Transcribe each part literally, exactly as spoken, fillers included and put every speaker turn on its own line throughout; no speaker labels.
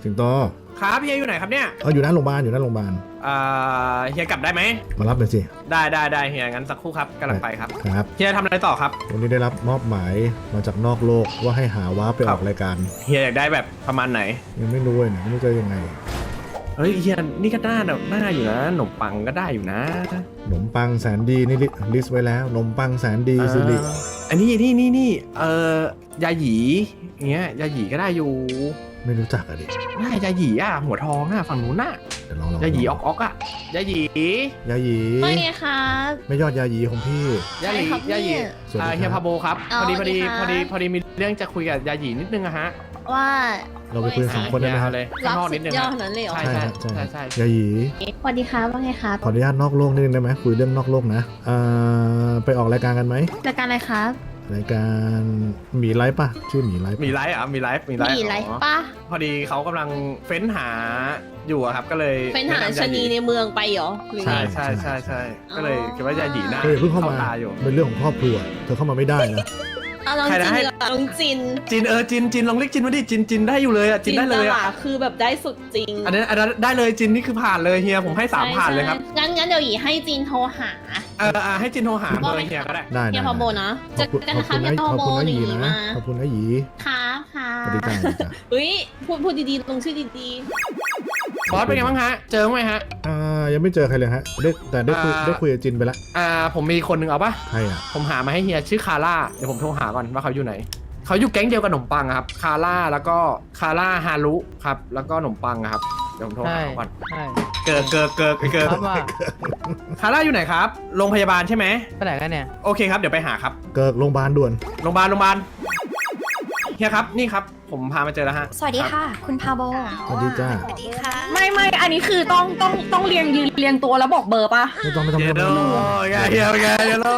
สิงโต
ครับเฮียอยู่ไหนครับเนี่ย
เอออยู่หน้าโรงพยาบาลอยู่หน้าโรงพยาบาล
อ่าเฮียกลับได้ไหม
มารับเลยสิ
ได้ได้ได้เฮียงั้นสักครู่ครับกำลังไปครับ
ครับ
เฮียทำอะไรต่อครับ
วันนี้ได้รับมอบหมายมาจากนอกโลกว่าให้หาว้าไปออกรายการ
เฮียอยากได้แบบประมาณไหน
ยังไม่รู้เลยนะไม่รู้จะยังไง
เฮ้ยเฮียนี่ก็น่าหน้าอยู่นะขนมปังก็ได้อยู่นะ
ขนมปังแสนดีนี่ลิสต์ไว้แล้วขนมปังแสนดีสิริ
อันนี้นี่นี่นี่เอ่อยาหยีเงี้ยยาหยีก็ได้อยู่
ไม่รู้จักอะดิ
น่ายาหยีอ่ะหัวทองอ่ะฝั่งนู้นน่ะยาหยีออกออกอ่ะยาหยี
ยาหยี
ไม่ครับ
ไม่ยอดยาหยีของพี่
ยาหยียาหยีเฮียพาโบครับพอดีพอดีพอดีพอดีมีเรื่องจะคุยกับยาหยีนิดนึงอะฮะ
ว่า
เราไปคุยสองคนได้ไหมครับ
ข้างนอกนิดนึงยอดนั้นเลยเหรอ
ใช่ใช่ใช่ใช่ยาหยี
สวัสดีครับว่าไงครับ
ขออนุญาตนอกโลกนิดนึงได้ไหมคุยเรื่องนอกโลกนะอ่าไปออกรายการกันไหม
รายการอะไรครับ
รายการหมีไลฟ์ป่ะชื่อหมีไลฟ์
มีไลฟ์อ่ะมีไลฟ์มีไลฟ์
มีไลฟ์ป่ะ
พอดีเขากำลังเฟ้นหาอยู่ครับก็เลย
เฟ้นหาชนีในเมืองไปเหรอ
ใช่ใช่ใช่ใช่ก็เลยคิดว่ายาหยีน่า
เพิ่งเข้ามาเป็นเรื่องของครอบครัวเธอเข้ามาไม่ได้นะ
ลองจินลองจิน
จินเออจินจินลองเรียกจินมาดิจินจินได้อยู่เลยอ่ะจินได้เลยอ่ะ
คือแบบได้สุดจริง
อันนี้อันนั้นได้เลยจินนี่คือผ่านเลยเฮียผมให้สามผ่านเลยครับ
งั้นงั้นเดี๋ยวหยีให้จินโทรหา
เออให้จินโทรหาเบอร์เฮียก็ได้
ได้
เฮียพอโบนะจะกันนะคะเฮียพอโบหยี
นะขอบคุณนะหยี
ค่ะค่ะ
สวัสดีจ้า
เฮ้ยพูดพูดดีๆลงชื่อดี
ๆบอสเป็นไงบ้างฮะเจอไหมฮะ
อ่ายังไม่เจอใครเลยฮะได้แต่ได้คุยได้คุยกับจินไปละ
อ่าผมมีคนหนึ่งเอาปะ
ใครอ่ะ
ผมหามาให้เฮียชื่อคาร่าเดี๋ยวผมโทรหาก่อนว่าเขาอยู่ไหนเขาอยู่แก๊งเดียวกับขนมปังครับคาร่าแล้วก็คาร่าฮารุครับแล้วก็ขนมปังครับเดี๋ยวผมโทรหาก่อนเกิดเกิดเกิดเกิดคาร่าอยู่ไหนครับโรงพยาบาลใช่ไหม
ไปไหนกันเนี่ย
โอเคครับเดี๋ยวไปหาครับ
เกิดโรงพยาบาลด่วน
โรงพยาบาลโรงพยาบาลเฮียครับนี่ครับผมพามาเจอแล้วฮะ
สวัสดีค่ะคุณพาโบ
สวัสดีจ้า
สวัสดีค่ะ
ไม่ไม่อันนี้คือต้องต้องต้องเรียงยืนเรียงตัวแล้วบอกเบอร์ป่ะ
ไม่ต้องไม่ต้องไม่
ต้องเฮียเฮียเฮียเฮียโล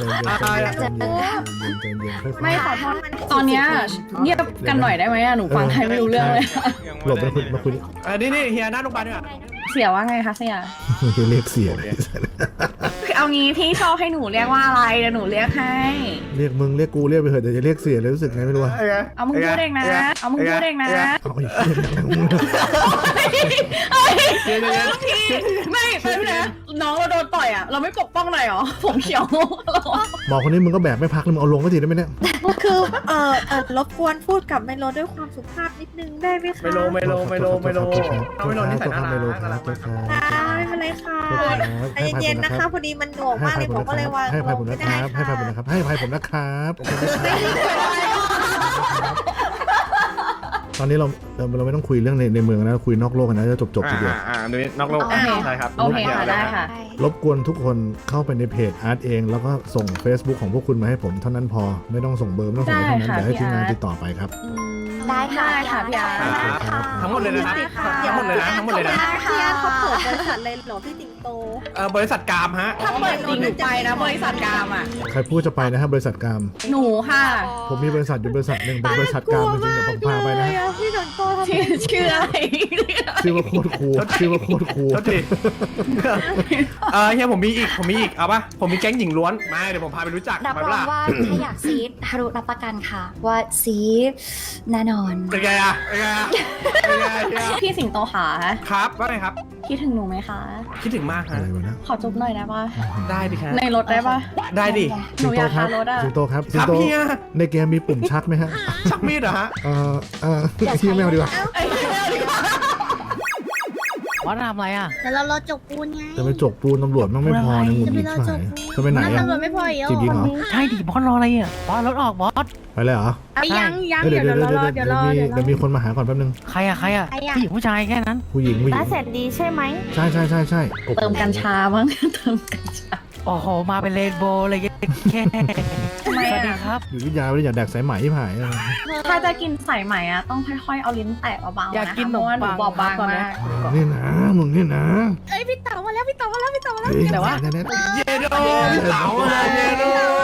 ไม่ขอโทษตอนเนี้ยเงียบกันหน่อยได้ไหมอะหนูฟังใครไม่รู้เรื่องเลย
หลบมาคุยมาคุย
อันนี้นี่เฮียหน้าโรงพยาบาลด้วย
เสียว่าไงคะเสีย
เรียกเสียเลย
เอางี้พี่ชอบให้หนูเรียกว่าอะไรเดี๋ยวหนูเรียกให้
เรียกมึงเรียกกูเรียกไปเถอะแต่จะเรียกเสียเลยรู้สึกไงไม่รู้
เอามึงพูดเองนะเอามึงพูดเองนะไม่ไม่นะน้องเราโดนต่อยอ่ะเราไม่ปกป้องหน่อยหรอผมเขียว
หมอคนนี้มึงก็แบบไม่พักเลยมึงเอาลงก็ทีได้ไหมเนี่ย
คือเออเออรบกวนพูดกับไมโลด้วยความสุภาพนิดนึงได้ไหมคะ
ไมโลไมโลไมโลไมโลเอาไมโลนี่ใส่หน้าไมโล
ครับไม่เป็นไรค่ะใจเย็นๆนะคะพอดีมันหน่วงมากเลยผมก็เลยว่า
ให้ภัยผมนะครับให้ภัยผมนะครับให้ภัยผมนะครับตอนนี้เราเราไม่ต้องคุยเรื่องในในเมืองนะคุยนอกโลกกันนะจะจบจบทีเดียว
อ่านี่นอกโลกใช่ครับ
โอเคค่ะได้ค่ะ
รบกวนทุกคนเข้าไปในเพจอาร์ตเองแล้วก็ส่ง Facebook ของพวกคุณมาให้ผมเท่านั้นพอไม่ต้องส่งเบอร์ไม่ต้องส่งอะไรทั้งนั้นเดี๋ยวให้ทีมงานติดต่อไปครับ
ได้ค่ะ
ค่ะพี่อาร์
ทั้งหมดเลยนะครับทั้งหมดเลยนะทั้งหมดเลยนะ
พี่อาร์เขาเปิดบริษัทเลยหรอพี่สิงโต
เออบริษัทกามฮะ
ถ้าเปิดจริงหนูไปนะบริษัทกามอ่ะ
ใครพูดจะไปนะครับบริษัทกาม
หนูค่ะ
ผมมีบริษัทอยู่บริษัทหนึ่งเป็นบริษัทกามจริงๆเดี๋ยวผมพาไปนะ
พี่สิงโตทำ
ชื่ออะไร
ชื่อว่าโคตรคูลชื่อว่าโคตรคูล
เออเฮียผมมีอีกผมมีอีกเอาปะผมมีแก๊งหญิงล้วนมาเดี๋ยวผมพาไปรู้จัก
รับรองว่าถ้าอยากซีดฮารุรับประกันค่ะว่าซีดแน่นอน
เป็นไงอะเป็นไงอะ
พี่สิงโตขา
ครับว่าไงครับ
คิดถึงหนูไหมคะ
คิดถึงมากฮะ
ขอจุ๊บหน่อยได้ปะ
ได้ดิครับ
ในรถได้ปะ
ได้ดิ
หนูอยากขับรถอะ
สิงโตครับสิงโตในเกมมีปุ่มชักไหมฮะ
ชักมีดเหรอฮะ
เออเออที่ไม่เอาดีกว่า
ว่าทำอะไรอ่ะ
แต่เราเราจกปูนไง
จะไปจกปูนตำรวจมันไม่พอนะงุนงิดใช่จะไปไหนอ่ะ
ตำรวจไม่พออีก
จริงเหรอ
ใช่ดิบอสรออะไรอ่ะบอสรถออกบอส
ไปเลยเหรอ
ยังยัง
เดี๋ยวเดี๋ยวเดี๋ยวเดี๋ยวมีเดี๋ยวมีคนมาหาก่อนแป๊บนึง
ใครอ่ะใครอ่ะผู้หญิงผู้ชายแค่นั้น
ผู้หญิงผู้หญิง
บ้าเสร็จดีใช่ไหม
ใช่ใช่ใช่ใช่
เติมกัญชาบ้างเติมกัญชา
โอ้โหมาเป็นเรนโบว์เลยแค่สวัสดีครับ
อยู่ที่ยาวเลยอยากแดกสายไหมที่หาย
ถ้าจะกินสายไหมอ่ะต้องค่อยๆเอาลิ้นแตะเบาๆนะอยากกินหนูหนูบอบบางมาก
นี่นะมึงนี่นะ
เอ้ยพี่เต๋ามาแล้วพี่เต๋ามาแล้วพี่เต๋ามาแล้ว
แต่ว่า
เยโดเต๋าเลยเยโด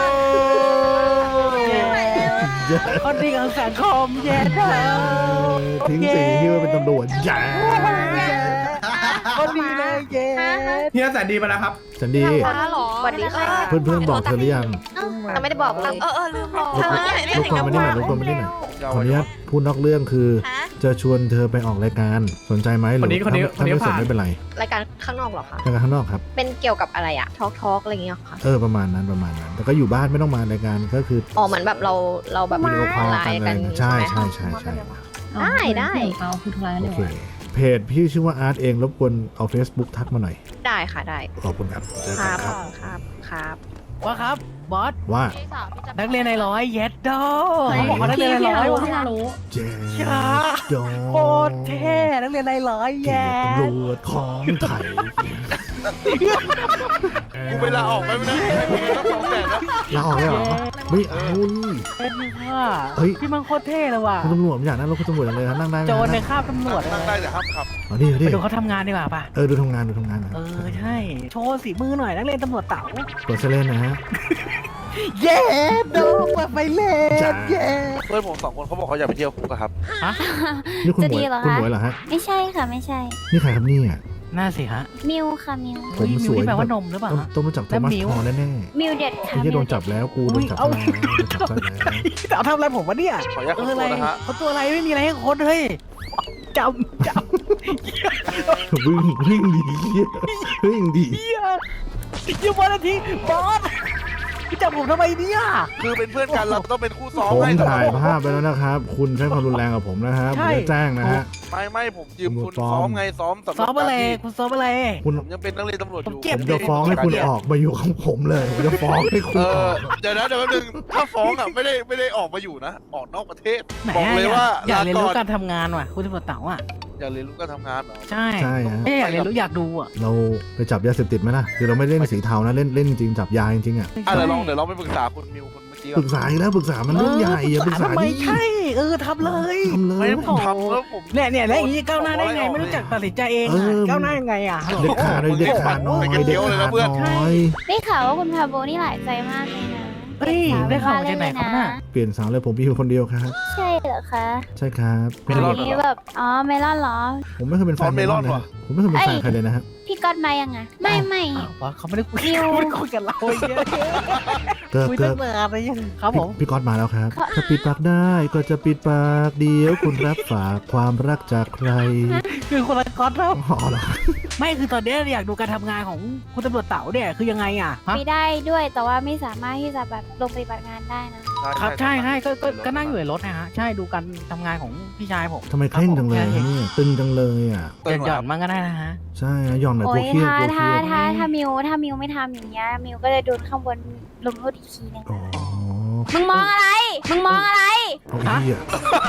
คนดีของสังคมเยโด
ทิ้งสีที่ว่าเป็นตำรวจแย่
คนดีเลยเย้
เฮียแสนดีมาแล้วครับ
แสนดี
สวัสดีค่ะ
เพื่อนเพื่อนบอกเธอหรือยัง
แต่ไม่ได้บอกเลยเออเออลืมบอก
รบกวนไม่ได้หน่อยรบกวนไม่ได้หน่อยขออนุญาตพูดนอกเรื่องคือจะชวนเธอไปออกรายการสนใจไหมหรือ
คนนี้คนนี้
ถ้า
คนนี้
ไม่สน
ผ่าน
ไม่เป็นไร
รายการข้างนอกเหรอคะ
รายการข้างนอกครับ
เป็นเกี่ยวกับอะไรอะทอล์กทอล์กอะไรอย่างเงี้ยเหรอค่ะ
เออประมาณนั้นประมาณนั้น แต่ก็อยู่บ้านไม่ต้องมารายการก็คือ
อ๋อเหมือนแบบเราเราแบบ
วิดีโอคอล
ไล
กัน
น์
อะไร
กัน
ใช่
ใช่
ใช่
ไหม
ใช่ใช่
ได้ได้
เอาคือทุกร้าน
โอ
เลย
เคเพจพี่ชื่อว่าอาร์ตเองรบกวนเอา Facebook ทักมาหน่อย
ได้ค่ะได้
ขอบคุณครับเจอ
ค
กั
รั
น
บ
ครับ
ครับครับ
ว่าครับบอส
ว่า
นักเรียนในร้อยเย็ดโด
เฮ้ย
เขาบอกว่านักเรียนใน
พี่
ร้อย
รู้
ว่ะ
พี่รู้
เจ๊
ช้า
ดอ
โคตรเท่นักเรียนในร้อย
เกีย
แย่
รติตำรวจของไทย
กูไปลาออกไปไม่ได้ไม่ต้องสองแสนแล้ว
ลาออกเลยเหรอไม่เอานี่
เอ็ดนี่ว่า
เฮ้ย
พี่มันโคตรเท่เลยว่ะ
คุณตำรวจผมอยากนั่งรถคุณตำรวจจังเลยครับนั่งได้ไหม
โจรใน
นั่ง
คาบตำรวจเล
นั่งได้
ย
แต่ห้ามขับ
เอาดิเอา
ไป
ดิ
ดูเขาทำงานดีกว่าป่ะ
เออดูทำงานดูทำงานนะ
เออใช่ โชว์สีมือหน่อยนักเรียนตำรวจเต๋า
กดเซเลนนะฮะ
เย้โดเปิดไฟเล่
จ้า
นเย้
เพื่อนผมสองคนเขาบอกเขาอยากไปเที่ยวคุกอะครับ
นี่คุณหมวย
จะดีเหรอคะ
คุณหมวยเหรอฮะ
ไม่ใช่ค่ะไม่ใช่
นี่ใครครับเนี่ย
น่าสิฮะ
มิวค่ะมิว
ผม
เฮ้ย
สวย
มิวที่แปลว่านมหรือเปล่า
ต้อง
ฮะ
ต้องมาจับโท
และ
มัส
มิว
พอแน่
มิวเด็ด
ๆ
ค่ะ
ไม่ใช่โดน
มิวเด็
จับแล้วกูโดนจับ
อุ๊
ซะ
ย
แล้วโดนจับซะแล้ว
เต๋าทำอะไรผมวะเนี่ย
ขออนุญาต
เอ
ขอ
อ
โท
อะไร
ษนะฮะ
เขาตัวอะไรไม่มีอะไรให้ค้นเฮ้ยจำจ
วิ่งวิ่งดีวิ่งดี
ำเฮียยี่วันนาทีบอสพี่จับผมทำไมเนี่ย
คือเป็นเพื่อนกันเราต้องเป็นคู่ซ้อม
ผม
ให้
ถ่ายภาพไปแล้วนะครับ คุณใช้ความรุนแรงกับผมนะครับผมจะแจ้งนะฮะ
ไม่ไม่ผมยืมคุณ
ฟ้อง
ซ้อมไงซ้อมสำหรับ
ซ้อมอะไร
การที่
คุณซ้อมอะไร
คุณ
ผมยังเป็นนักเรียนตำรวจอยู่
ผมเก็บ
ผมจะฟ้องให้คุณออกมาอยู่ของผมเลยผมจะฟ้องให้คุ
เอ
ณอ
อ
อก
เดี๋ยวนะเดี๋ยวแป๊บนึงถ้าฟ้องอ่ะไม่ได้ไม่ได้ออกมาอยู่นะ ออกนอกประเทศ
ไหน
บอก
อะ
เลย
อยาก
ว่า
อยาก
ลา
เรียน
ก่
รู้
อน
การทำงานว่ะคุณตำรวจเต๋าอ่ะ
อยากเรียนรู้การทำงานเหรอ
ใช่
ใช่ฮะ
ไม่อยากเรียนรู้อยากดูอ่ะ
เราไปจับยาเสพติดไหมล่ะคือเราไม่เล่นสีเทานะเล่นเล่นจริงจับยาจริงๆอ่ะ
อ่ะเดี๋ยวลองเดี๋ยวลองไปปรึกษาคุณมิวคนเมื่อกี้
ป
ก่อ
รึ
น
กษาอีกแล้วปรึกษามันเรื่องใหญ่อย่าปรึกษา
ทำไม
ดิ
ใช่เออทำเลย
ทำเล
ไม่
ย
ได้ผมทำแล้วผม
เนี่ยเนี่ยแล้วอย่างนี้ก้าวหน้าได้ไงไม่รู้จักตัดสินใจเอง
เอ
อะ
อ
ก้าวหน้ายังไงอ่ะ
เด็ดขาดเลยเด็ดขาดน้อยเด็ดขาดน้อย
ได้ข่าวว่าคุณพาโบนี่หลายใจมากเลยนะ
เฮ้ยได้ข่าวมาจากไหนครับน่ะ
เปลี่ยนสาวเลยผมมีอยู่คนเดียวครับ
ใช่เหรอคะ
ใช่ครับ
เมลอนเหร
นี่
อ
แบบอ๋อเมลอนเหรอ
ผมไม่เคยเป็นแฟนเมลอนเลยนะผมไม่เคยเป็นแฟนใครเลยนะฮะ
พี่ก๊อตมายังไงไม่ไม่
อ้าวบอสเขาไม่ได้คุย
มิว
เขาไม่ได้คุยกับเราไอ้เงี้ย
เกิด
คุย
เกิ
ตั้
ด
งนานเลยยังครับผม
พี่ก๊อตมาแล้วครับจะปิดปากได้ก็จะปิดปากเดียวคุณรับฝากความรักจากใคร
คือคนละก๊อตแล้ว
อ๋อเหรอ
ไม่คือตอนเนี้ยอยากดูการทำงานของคุณตำรวจเต๋าเนี่ยคือยังไงอ่ะฮะ
ไม่ได้ด้วยแต่ว่าไม่สามารถที่จะแบบลงปฏิบัติงานได้นะ
ครับใช่ใช่ก็ก็ก็นั่งอยู่ในรถนะฮะใช่ดูการทำงานของพี่ชายผม
ทำไมเคร่งจังเลยเนี่ยตึงจังเลยอ่ะ
หย่อนหย่อนๆมันก็ได้นะฮะ
ใช่นะย่อนหน่อย
โอ้
กลัวย เครียด
ถ้าก
ลัวเค
ถ้า
รียด
ถ้าถ้ามิวถ้ามิวไม่ทำอย่างเงี้ยมิวก็จะโดนข้างบนลงโทษอีกทีนึง
อ๋อ
มึงมองอะไรมึงมองอะไร
เอาไอ้เหี้ย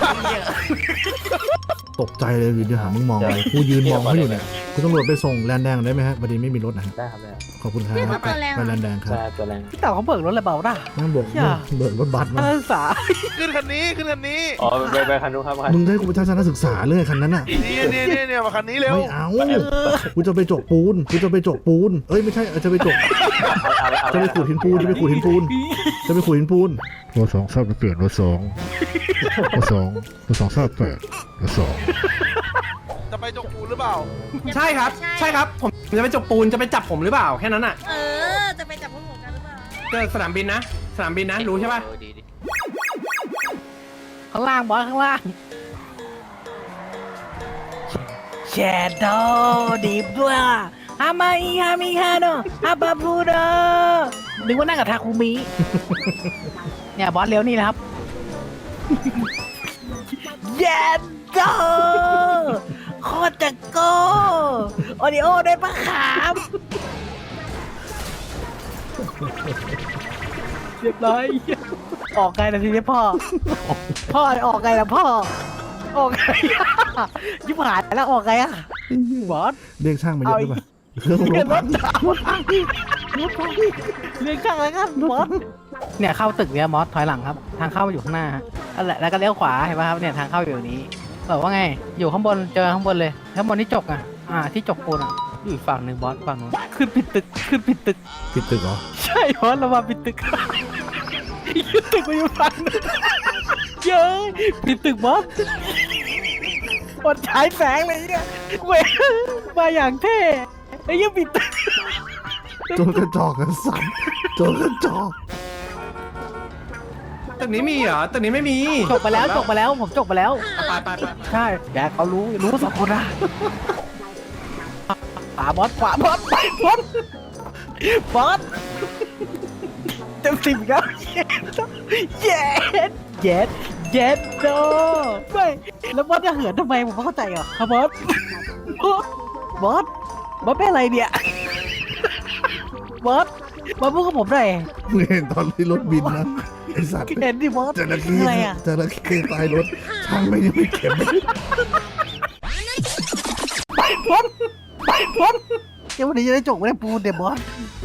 ตกใจเลยอยู่ดีหามึงมองเลยกูยืนมองเขาอยู่เนี่ยคุณตำรวจไปส่งแลนด์แดงได้ไหมฮะพอดีไม่มีรถนะฮะ
ได้ครับได้
ขอบคุณครับ
พี่เขาตัวแรง
ไปแล
อะ
นด์แดงครับ
ใช่ตัวแรง
พี่เต๋าเขาเบิกรถอะไรเบาด่ะ
นั่งบอก
เชี่ย
เบิกรถบัส
นั
มาก
ศึกษา
ขึ้นคันนี้ขึ้นคันนี้
อ๋อไปไปคันนู้นครับคัน
มึงได้กูไปทัศนศึกษาเรื่องคันนั้นอ่ะ
นี่นี่นี่เนี่ยมาคันนี้เร็ว
ไม่เอากูจะไปจกปูนกูจะไปจกปูนเอ้ยไม่ใช่เออจะไปจก
เอาเอา
จะไปขูดหินปูนจะไปขูดหินปูนจะไปขูดหินปูนรถสองทราบไปเปลี่ยนรถสองรถสองรถสองทราบแปดรถสอง
จะไปจกปูนหรือเปล่า
ใช่ครับ ใช่ครับ ผมจะไปจบปูนจะไปจับผมหรือเปล่าแค่นั้นอ่ะ
เออ จะไปจับพวกหนูกันหรือเปล่า
เจอสนามบินนะสนามบินนะรู้ใช่ป่ะ
ข้างล่างบอสข้างล่างแชโดดีบด้วยฮามาอีฮามิฮาโนฮาบาบูโดนึกว่านั่งกับทาคุมิเนี่ยบอสเร็วนี่แหละครับเย็นโดโคตรจะโก้โอดิโอได้ปะขามเรียบร้อยออกไงนะทีนี้พ่อ พ่อออกไงล่ะพ่อ ออกไงอะยิบหายแล้วออกไงอะบอส
เรียกช่างมาเยอะด้วยป่ะเครื่อง
เรียน
ร
ร
ถ
ถดาวเรียนข้างแล้วกันบอสเนี่ยเข้าตึกเนี่ยมอสถอยหลังครับ ทางเข้าอยู่ข้างหน้าฮะนั่นแหละแล้วก็เลี้ยวขวาเห็นป่ะครับเนี่ยทางเข้าอยู่นี้บอกว่าไงอยู่ข้างบนเจอข้างบนเลยข้างบนที่จกอ่ะอ่าที่จกปูนอ่ะอยู่อีกฝั่งหนึ่งบอสฝั่งนู้นขึ้นปิดตึกขึ้นปิดตึก
ปิดตึกเหรอ
ใช่บอสเรามาปิดตึกปิดตึกไปอยู่ฝั่งนึงเย้ยปิดตึกบอสบอสฉายแสงเลยเนี่ยเว้ยมาอย่างเท่ไอ้ยังปิดตึก
โจรกระจอกกันสันโจรกระจอก
ตึกนี้มีเหรอตึกนี้ไม่มี
จบไปแล้วจบไปแล้วผมจบไปแล้ว
ไปไปไป
ใช่แกเขารู้รู้สองคนนะขวาบอสขวาบอสไปบอสบอสเต็มสิบครับเย็ดเย็ดเย็ดโดไม่แล้วบอสจะเหินทำไมผมไม่เข้าใจเหรอครับบอสบอสบอสเป็นอะไรเนี่ยบอสบอสพูดกับผมหน่อย
มึงเห็นตอนที่รถบินนะไอสัตว์
เห็นดิบอส
จระเข้
อะไรอ่ะ
จระเข้ตายรถช่างไม่ยังไม่เก็บ
ไปพ้นไปพ้นเดี๋ยววันนี้จะได้จบไม่ได้ปูนเดี๋ยวบอส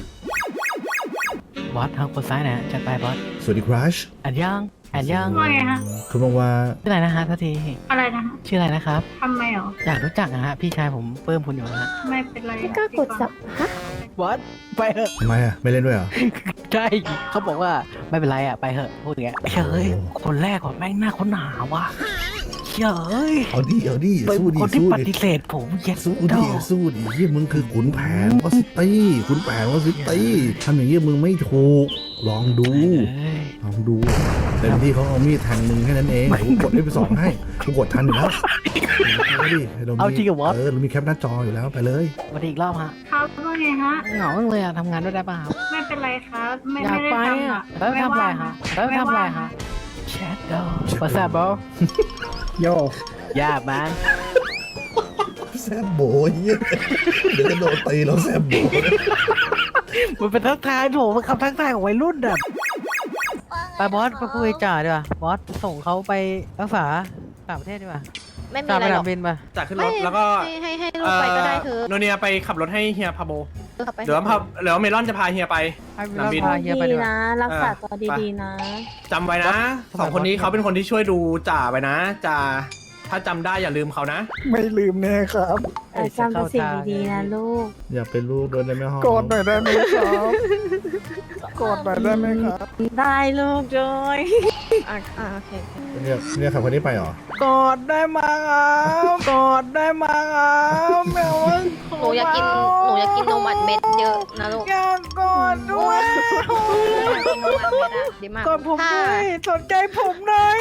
บอสทางคนซ้ายนะจัดไปบอส
สวัสดีครัช
อันยังอันยัง
ว่าไงฮะ
คุณบอกว่า
ชื่ออะไรนะฮะทัที
อะไรนะฮะ
ชื่ออะไรนะครับ
ทำไมเหรอ
อยากรู้จักนะฮะพี่ชายผมเพิ่มคุณอยู่นะฮะ
ไม่เป็นไร
ก็กดสับฮะ
บอสไปเถอะ
ทำไมอ่ะไม่เล่นด้วยเหรอ
ใช่เขาบอกว่าไม่เป็นไรอ่ะไปเถอะพูดอย่างเงี้ยเฮ้ยคนแรกก่อนแม่งหน้าคนหนาว่ะเฮ้ย
เอาดิเอาดิ
เป็น
สู้ดิ
คนที่
สู้
ป
ดิ
ฏิเสธผมเย็ด
สู้
ด
ดิ
อก
สู้ดิเฮียมึงคือขุนแผนวอซิตี้ขุนแผนวอซิตี้ทำอย่างเงี้ยมึงไม่ถูกลองดู
เอ้ย
ลองดูเต็มที่เขาเอามีดแทงมึงแค่นั้นเองเดี๋ยวกูกดได้ไปสองให้กูกดทันอยู่แล้วเอาดิเรามี
เอาจริงเหรอวะ
เออเรามีแคปหน้าจออยู่แล้วไปเลย
มาดีอีกรอบฮะ
ครับว่าไงฮะ
เหงาจังเลยอ่ะทำงานด้วยได้ป่ะครับ
ไม่เป็นไรครับ ไม่
อยาก
ไม่
ไป
ได้ทำ
อ่ะ
อ่ะ
แล้วทำอะไรฮะแล้วทำอะไรฮะแชทดอภาษาบอโยย่ามัน
แซบโบยเหี้ยเดี๋ยวจะโดนตีแล้วแซบโบย
มันเป็นทักทายโถมันคำทักทายของวัยรุ่นอ่ะไปบอสไปคุยจ่าดีกว่าบอสส่งเขาไปรักษาต่างประเทศดีกว่า
ไม่มี
จ่า
อะ
ไป
ไรหร
สนา
อก
มบินไป
จากขึ้นรถแล้วก็
ให้ให้ให้ลูกไปก็ได้เธอ
โนเนียไปขับรถให้เฮียพาโบ
ขับไป
หรือว่าพาหรือว่าเมลอนจะพาเฮียไป
ให้เว
สนา
ลาม
บิน
พาเฮียไปดีกว่า
รักษาตัวดีๆนะ
จำไว้นะสองคนนี้เขาเป็นคนที่ช่วยดูจ่าไปนะจ่าถ้าจำได้อย่าลืมเขานะ
ไม่ลืมแน่ครับ
แต่จำแต่สิ่งดีๆนะลูก
อย่าเป็นลูกโดนได้ไหมห้อง
กอดหน่อยได้ไหมครับกอดหน่อยได้ไหมครับ
ได้ลูกด้วยอ่ะอ่ะโอเค
เนี่ยเนี่ยขับคนนี้ไปเหรอ
กอดได้มาครับกอดได้มาครับแมว
หนูอยากกินหนูอยากกินนมอัดเม็ดเยอะนะลูก
อยากกอดด้วย
อยากกินนมอัดเม็ดอะดีมาก
กอดผม
ถ้า
ด้วยสนใจผมหน่อย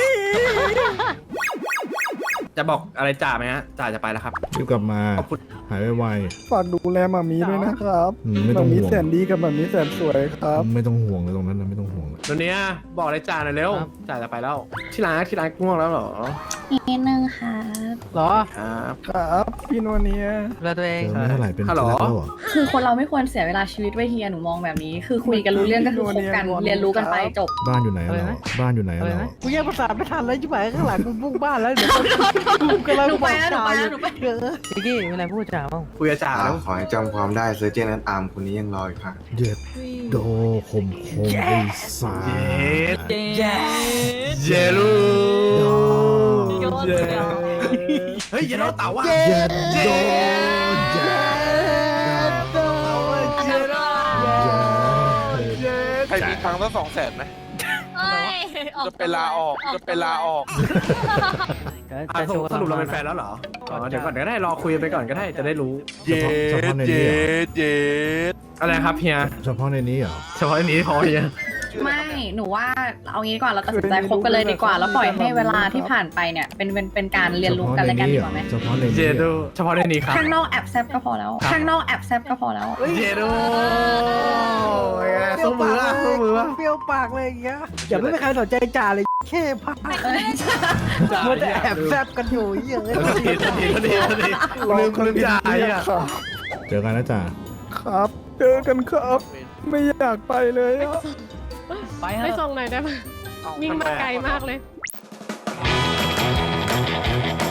จะบอกอะไรจ่าไหมฮะจ่าจะไปแล้วครับ
รีบกลับมา
ขอบคุณ
หายไว
ฝากดูแลหมามีด้วยนะครับ
อืมไม่ต้อง
หมามี
ห่วง
แสนดีกับหมามีแสนสวยครับ
ๆไม่ต้องห่วงเลยตรงนั้นนะไม่ต้องห่วงเลย
โนเนียบอกอะไรจ่าหน่อยเร็วจ่าจะไปแล้วที่ร้านที่ร้านง่วงแล้วเหรอ
อีกนิดนึงค่ะ
เหรอ
ครับ
ครับพี่นวเนีย
ดูแลตัวเอง
เจอไม่เท่าไหร่เป็น
ฮัลโหล
ที่รักแล้วเหรอ
คือคนเราไม่ควรเสียเวลาชีวิตไว้เฮียหนูมองแบบนี้ คือคุยกันรู้เรื่องก็คือคบกันเรียนรู้กันไปจบ
บ้านอยู่ไหนอะเราบ้านอยู่ไหนอะ
อะไร
เรา
นะกูแยกภาษาไม่ทันแล้วชิบหายข้างหลังกูมุ่งบ้านแล้วเดี๋ยวกูกำลัง
หนูไปแล้วหนูไปแล้วหนูไป
เออพี่กี้มีอะไรพูดจ่าบ้าง
คุยกับจ่า
อ่า
แล้ว
ขอให้จำความได้เซอร์เจนนั้นตามคนนี้ยังรออีกค่ะ
เย็ดโดคมคมไอ้สา
เย็ด
เย้
เยลู
ดอ
เยเฮ้ยเยลูเต่าว่ะ
เย็ดโดเย็ดโด
ใครมีตังค์ตั้งสองแสนไหมจะไปลาออกจะไปลาออก
อ่ะสรุปสรุปเราเป็นแฟนแล้วเหรออ๋อเดี๋ยวก่อนก็ได้รอคุยไปก่อนก็ได้จะได้รู้
เย็ดเย็ดเย็ด
อะไรครับเฮีย
เฉพาะในนี้เหรอ
เฉพาะอันนี้พอเฮีย
ไม่ หนูว่าเอางี้ดีกว่าเราตัดสินใจคบกันเลยดีกว่า แล้วปล่อยให้เวลาที่ผ่านไปเนี่ยเป็นเป็นเป็นการเรียนรู้กันและกันดีกว่าไหม
เฉพาะใน
เจ
นี้
โดเฉพาะในนี้ครับ
ข้างนอกแอบแซบก็พอแล้ว ข้างนอกแอบแซบก็พอแล้ว
เจโดสู้มืออ่ะสู้มืออ่ะ
เปรี้ยวปากเลยอย่างเงี้ยอย่าไม่มีใครสนใจจ่าเลยแค่พักมันจะแอบแซบกันอยู่เยอะ
ทันทีทันทีทันทีทันทีลืมลืมจ่ายอ่ะ
ครับ
เจอกันนะจ๊ะ
ครับ เจอกันครับ ไม่อยากไปเลยอะ
ไปเถ
ไป
อะ
ส่งหน่อยได้ไหมวิ่งมาไกลมากเลย
ท